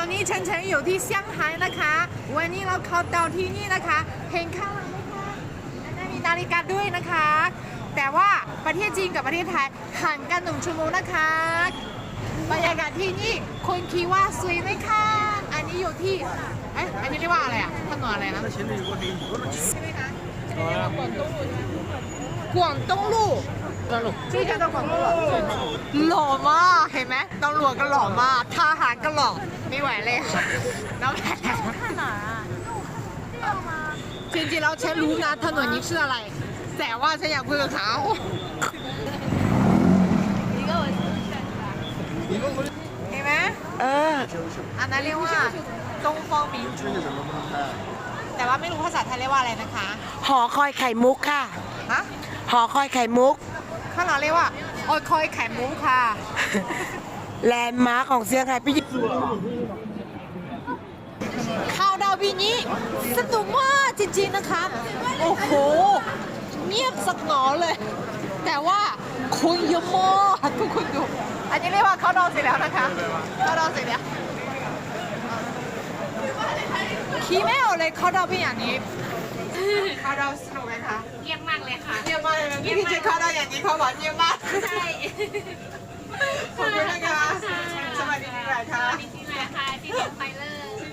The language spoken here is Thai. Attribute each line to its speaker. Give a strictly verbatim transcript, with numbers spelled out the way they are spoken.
Speaker 1: อนนี้เฉินเฉินอยู่ที่เซี่ยงไฮ้นะคะวันนี้เราเข้าดาวที่นี่นะคะเห็นข้างหลังไหมคะและมีนาฬิกาด้วยนะคะแต่ว่าประเทศจีนกับประเทศไทยห่างกันหนึ่งชั่วโมงนะคะบรรยากาศที่นี่คุณคิดว่าสวยไหมคะอันนี้อยู่ที่เอ๊ะอันนี้เรียกว่าอะไรอ่ะถนนอะไรนะใช่ไหมคะกวางตุ้งลู่ชื่อจะต้องกวางตุ้งลู่หล่อมากเห็นไหมตำรวจก็หล่อมากทหารก็หล่อไม่ไหวเลยน้ำแข็งจริงๆแล้วฉันรู้นะถนนนี้ชื่ออะไรแต่ว่าฉันอยากพูดกับเขาเห็นไหมเอออันนั้นเรียกว่าตงฟองมิงจูแต่ว่าไม่รู้ภาษาไทยเรียกว่าอะไรนะคะ
Speaker 2: หอคอยไข่มุกค่ะ
Speaker 1: ฮะ
Speaker 2: หอคอยไข่มุก
Speaker 1: ข้างหลังเรียกว่าโอยคอยไข่มุกค่ะ
Speaker 2: แลนด์มาร์คของเซี่ยงไฮ้พี่
Speaker 1: ข่าวดาวปีนี้สนุกมากจริงๆนะคะโอ้โหเงียบสักหนอเลย แต่ว่าคนเยอะมากทุกคนดูอันนี้เรียกว่าเขาดาวเสร็จแล้วนะคะเขาดาวเสร็จแล้วคิดไม่ออกเลยเขาดาวเป็นอย่างนี้เขาดาวสนุกไหมคะ
Speaker 3: เยี่ยมมากเลยค่ะ
Speaker 1: เยี่ยมมากเลยพี่พี่เจเขาดาวอย่างนี้เขาบอกเยี่ยมมาก
Speaker 3: ใช่
Speaker 1: ขอบคุณนะคะสวัสดีปีใหม่ค่ะ
Speaker 3: ปีที่ไหนคะที่เดียนไฟเลอร์